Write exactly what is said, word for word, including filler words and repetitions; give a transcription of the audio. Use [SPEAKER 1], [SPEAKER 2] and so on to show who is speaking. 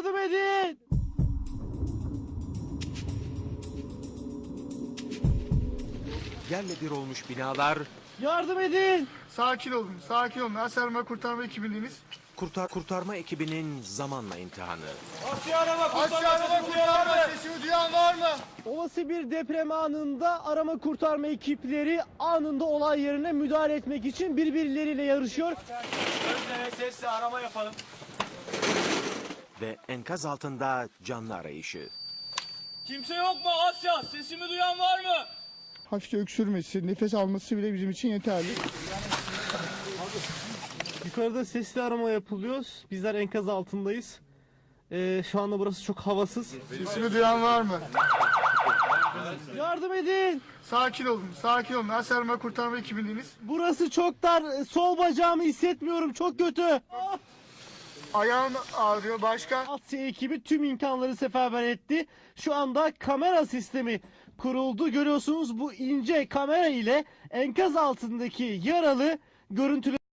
[SPEAKER 1] Yardım edin!
[SPEAKER 2] Yerle bir olmuş binalar,
[SPEAKER 1] Yardım edin!
[SPEAKER 3] Sakin olun, sakin olun. Asarma kurtarma ekibindeniz.
[SPEAKER 2] kurtar kurtarma ekibinin zamanla imtihanı.
[SPEAKER 1] Asya arama kurtarma,
[SPEAKER 3] Asarma kurtarma sesimi duyan var mı?
[SPEAKER 1] Olası bir deprem anında arama kurtarma ekipleri anında olay yerine müdahale etmek için birbirleriyle yarışıyor.
[SPEAKER 4] Gözleme sesle arama yapalım.
[SPEAKER 2] Ve enkaz altında canlı arayışı.
[SPEAKER 4] Kimse yok mu Asya? Sesimi duyan var mı?
[SPEAKER 3] Hafifçe öksürmesi, nefes alması bile bizim için yeterli.
[SPEAKER 1] Yukarıda sesli arama yapılıyor. Bizler enkaz altındayız. Ee, şu anda burası çok havasız.
[SPEAKER 3] Sesimi duyan var mı?
[SPEAKER 1] Yardım edin!
[SPEAKER 3] Sakin olun, sakin olun. Asarma kurtarma ekibindeniz.
[SPEAKER 1] Burası çok dar. Sol bacağımı hissetmiyorum. Çok kötü.
[SPEAKER 3] Ayağım ağrıyor. Başka?
[SPEAKER 1] Asya ekibi tüm imkanları seferber etti. Şu anda kamera sistemi kuruldu. Görüyorsunuz bu ince kamera ile enkaz altındaki yaralı görüntüleri